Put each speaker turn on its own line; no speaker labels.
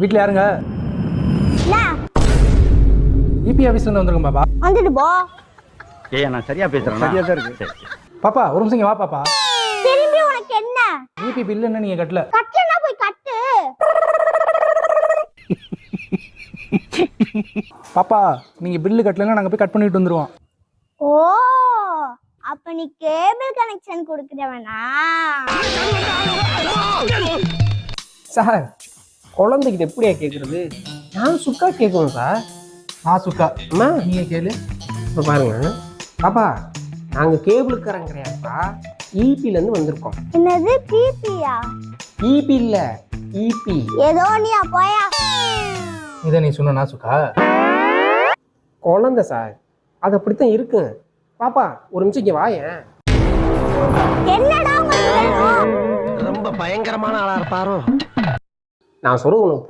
வீட்டில் யாருங்க? இபி ஆஃபீஸ்ல இருந்து வந்திருக்கோம் பாப்பா.
வந்துட்டு போ.
ஏய் நான் சரியா பேசுறேன்.
சரியா தான் இருக்கு. பாப்பா ஒரு நிமிஷம் வா பாப்பா.
திரும்பி உனக்கு என்ன?
இபி பில் என்ன நீங்க கட்டல?
கட்டலனா போய் கட்டு.
பாப்பா நீங்க பில்லு கட்டலன்னா நாங்க போய் கட் பண்ணிட்டு வந்துருவோம்.
ஓ அப்ப நீ கேபிள் கனெக்ஷன் கொடுக்கறவனா?
சார் குழந்தைக்கு எப்படியா கேட்குறது? நான் சுக்கா கேட்கணும் சார்.
நான் சுக்கா.
அம்மா
நீங்க கேளு.
இப்போ பாருங்க பாப்பா, நாங்கள் கேபிளுக்காரங்க கிடையாதுப்பா, இபிலேருந்து வந்திருக்கோம்.
என்னது பிபியா?
இபி இல்லை இபி.
ஏதோ நீ போயா.
இதை நீ சொன்ன நான் சுக்கா.
குழந்தை சார், அது அப்படித்தான் இருக்கு. பாப்பா ஒரு நிமிஷம் இங்கே வாயேன்.
என்னடா உங்களுக்கு வேணும்?
ரொம்ப பயங்கரமான ஆளா இருப்பாரோ?
நான் சொல்றது உனக்கு